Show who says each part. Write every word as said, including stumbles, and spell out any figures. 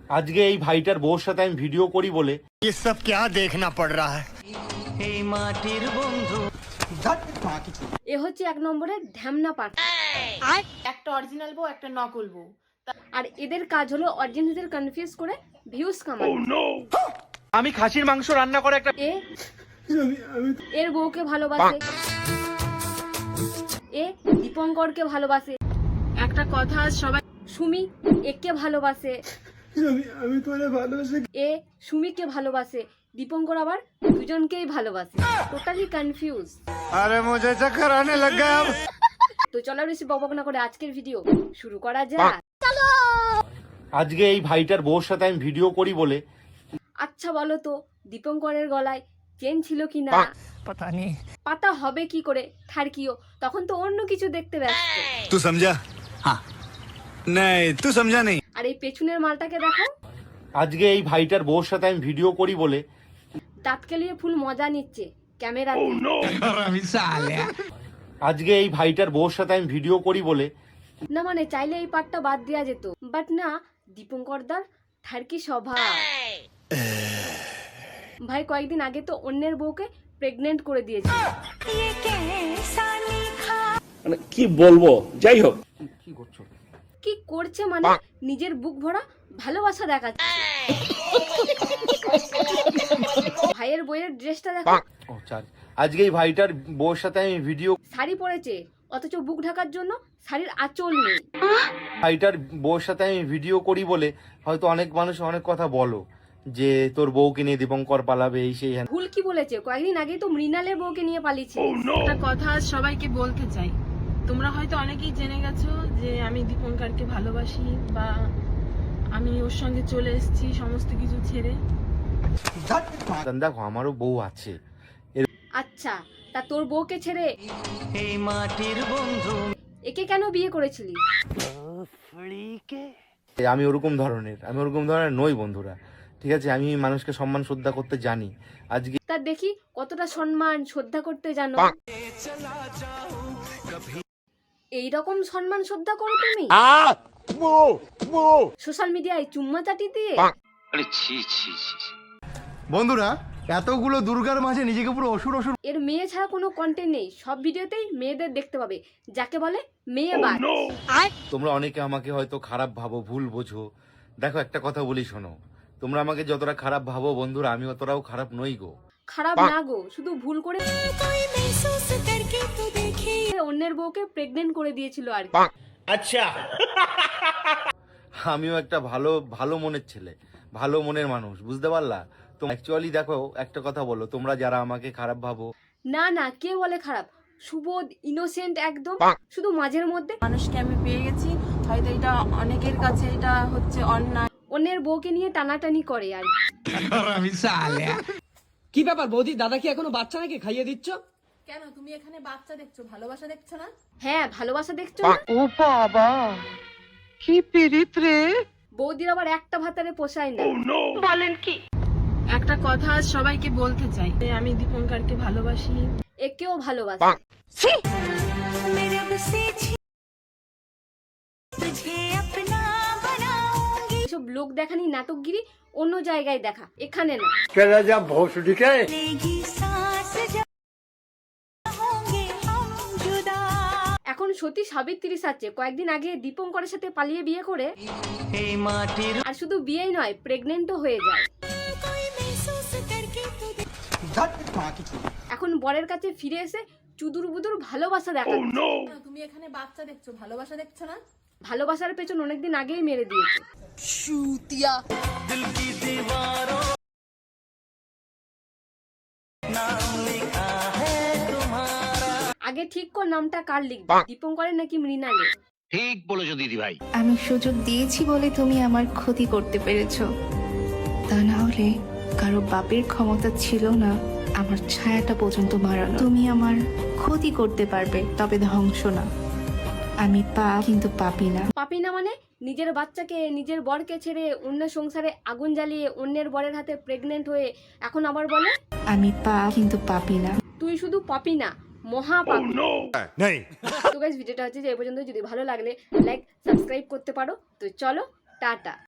Speaker 1: আজকে এই ভাইটার বউর সাথে আমি ভিডিও করি বলে
Speaker 2: ये सब क्या देखना पड़ रहा है।
Speaker 3: এ হচ্ছে এক নম্বরের ঢ্যামনা পাঠ।
Speaker 4: একটা অরিজিনাল বউ একটা নকল বউ।
Speaker 3: আর এদের কাজ হলো অডিয়েন্সদের কনফিউজ করে ভিউজ কামানো।
Speaker 1: আমি খাসির মাংস রান্না করে একটা
Speaker 3: এ এর বউকে ভালোবাসে, এ দীপঙ্করকে ভালোবাসে,
Speaker 4: একটা কথা সবাই
Speaker 3: সুমি একে ভালোবাসে, এ সুমিকে ভালোবাসে, দীপঙ্কর আবার দুজনকেই ভালোবাসে। Totally confuse.
Speaker 2: अरे मुझे चक्कर आने लग गया अब।
Speaker 3: তো চলো বেশি বকবক না করে আজকের ভিডিও শুরু করা যাক।
Speaker 1: আজকে এই ভাইটার বউর সাথে আমি ভিডিও করি বলে
Speaker 3: আচ্ছা বলো তো দীপঙ্করের গলায় চেন ছিল কি না?
Speaker 2: पता नहीं।
Speaker 3: পাতা হবে কি করে থারকিও, তখন তো অন্য কিছু দেখতে ব্যস্ত।
Speaker 2: तू समझा? हाँ। नहीं तू समझा नहीं।
Speaker 3: আর এই পেছনের মালটাকে দেখো,
Speaker 1: আজকে এই ভাইটার বউর সাথে আমি ভিডিও করি বলে
Speaker 3: দাঁত কেলিয়ে ফুল মজা নিচ্ছে ক্যামেরাতে।
Speaker 1: আজকে এই ভাইটার বউর সাথে আমি ভিডিও করি বলে
Speaker 3: না মানে চাইলে এই পার্টটা বাদ দেওয়া যেত, বাট না, দীপঙ্করদার ঠারকি স্বভাব। ভাই কয়েকদিন আগে তো অন্যের বউকে প্রেগনেন্ট করে দিয়েছে।
Speaker 5: মানে কি বলবো, যাই হোক।
Speaker 1: কি করছো?
Speaker 3: কি করছে মানে নিজের বুক ভরা ভালোবাসা দেখাচ্ছে। ভাইয়ের বইয়ের ড্রেসটা দেখো,
Speaker 1: ও চার আজকে এই ভাইটার বউর সাথে আমি ভিডিও
Speaker 3: শাড়ি পরেছে অথচ বুক ঢাকার জন্য শাড়ির আঁচল নেই।
Speaker 1: ভাইটার বউর সাথে আমি ভিডিও করি বলে হয়তো অনেক মানুষ অনেক কথা বলো যে তোর বউকে নিয়ে দীপঙ্কর পালাবে এই সেই হ্যান।
Speaker 3: ভুল কি বলেছে? কয়েকদিন আগেই তো মৃণালের বউকে নিয়ে পালিয়েছে।
Speaker 4: একটা কথা সবাইকে বলতে চাই, তোমরা হয়তো অনেকেই জেনে গেছো যে আমি দীপঙ্করকে ভালোবাসি বা আমি ওর সঙ্গে চলে এসেছি সমস্ত কিছু ছেড়ে।
Speaker 1: দেখো আমারও বউ আছে।
Speaker 3: আচ্ছা তা তোর বউকে ছেড়ে একে কেন বিয়ে করেছিলি?
Speaker 1: আমি ওরকম ধরনের আমি ওরকম ধরনের নই বন্ধুরা, ঠিক আছে? আমি মানুষকে সম্মান শ্রদ্ধা করতে জানি। আজকে
Speaker 3: তা দেখি কতটা সম্মান শ্রদ্ধা করতে জানো। এইরকম সম্মান শ্রদ্ধা করো তুমি সোশ্যাল মিডিয়ায় চুম্মা চাটি দিয়ে।
Speaker 2: বন্ধুরা এতগুলো দুর্গার মাঝে নিজেকে পুরো অসুর অসুর।
Speaker 3: এর মেয়ে ছাড়া কোনো কন্টেন্ট নেই, সব ভিডিওতেই মেয়েদের দেখতে পাবে, যাকে বলে মেয়েবাজ।
Speaker 1: তোমরা অনেকে আমাকে হয়তো খারাপ ভাবো, ভুল বোঝো। দেখো একটা কথা বলি শোনো, তোমরা আমাকে যতটা খারাপ ভাবো বন্ধুরা, আমি অতটাও খারাপ নই গো।
Speaker 3: খারাপ না গো, শুধু ভুল করে অন্যের বউকে প্রেগনেন্ট করে দিয়েছিল আর কি।
Speaker 5: আচ্ছা,
Speaker 1: আমিও একটা ভালো ভালো মনের ছেলে, ভালো মনের মানুষ, বুঝতে পারলা? তো অ্যাকচুয়ালি দেখো একটা কথা বলো, তোমরা যারা আমাকে খারাপ ভাবো,
Speaker 3: না না, কে বলে খারাপ? সুবোধ ইনোসেন্ট একদম, শুধু মাঝের মধ্যে
Speaker 4: মানুষকে আমি পেয়ে গেছি, হয়তো এটা অনেকের কাছে এটা হচ্ছে অন্যায়।
Speaker 3: অন্যের বউকে নিয়ে টানাটানি করে আর কি।
Speaker 6: কি ব্যাপার বৌদি, দাদা কি এখনো বাচ্চা নাকি খাইয়ে দিচ্ছ?
Speaker 4: কেন তুমি এখানে বাচ্চা দেখছো, ভালোবাসা দেখছো না?
Speaker 3: হ্যাঁ ভালোবাসা দেখছো না?
Speaker 7: ও বাবা কি পিরিত রে।
Speaker 3: বৌদির আবার একটা ভাতারে পোষায় না।
Speaker 7: বলেন কি?
Speaker 4: একটা কথা সবাইকে বলতে চাই, যে আমি দীপঙ্করকে ভালোবাসি।
Speaker 3: একেও ভালোবাসে। এসব লোক দেখানি নাটকগিরি অন্য জায়গায় দেখা, এখানে না। এখন সতী সাবিত্রী সাজছে, কয়েকদিন আগে দীপঙ্করের সাথে পালিয়ে বিয়ে করে, আর শুধু বিয়েই নয় প্রেগনেন্টও হয়ে যায়। এখন বরের কাছে ফিরে এসে চুদুর বুদুর ভালোবাসা দেখা।
Speaker 4: তুমি এখানে বাচ্চা দেখছো, ভালোবাসা দেখছো না?
Speaker 3: ভালোবাসার পেছন অনেকদিন আগেই মেরে দিয়েছে। আগে ঠিক কর নামটা কার লিখবে, দীপঙ্করের নাকি মৃণালে?
Speaker 5: ঠিক বলেছো দিদি ভাই।
Speaker 8: আমি সুযোগ দিয়েছি বলে তুমি আমার ক্ষতি করতে পেরেছো, তা না হলে কারো বাপের ক্ষমতা ছিল না আমার ছায়াটা পর্যন্ত মারানো। তুমি আমার ক্ষতি করতে পারবে, তবে ধ্বংস না। আমি পাপ কিন্তু পাপি না।
Speaker 3: পাপি না মানে নিজের বাচ্চাকে নিজের বরকে ছেড়ে অন্য সংসারে আগুন জ্বালিয়ে অন্যের বরের হাতে প্রেগনেন্ট হয়ে এখন আবার বলে
Speaker 8: আমি পাপ কিন্তু পাপি না।
Speaker 3: তুই শুধু পাপি না, মহা পাপি।
Speaker 2: नहीं।
Speaker 3: তো গাইস ভিডিওটা হচ্ছে যে এই পর্যন্ত। যদি ভালো লাগলে লাইক সাবস্ক্রাইব করতে পারো। তো চলো টাটা।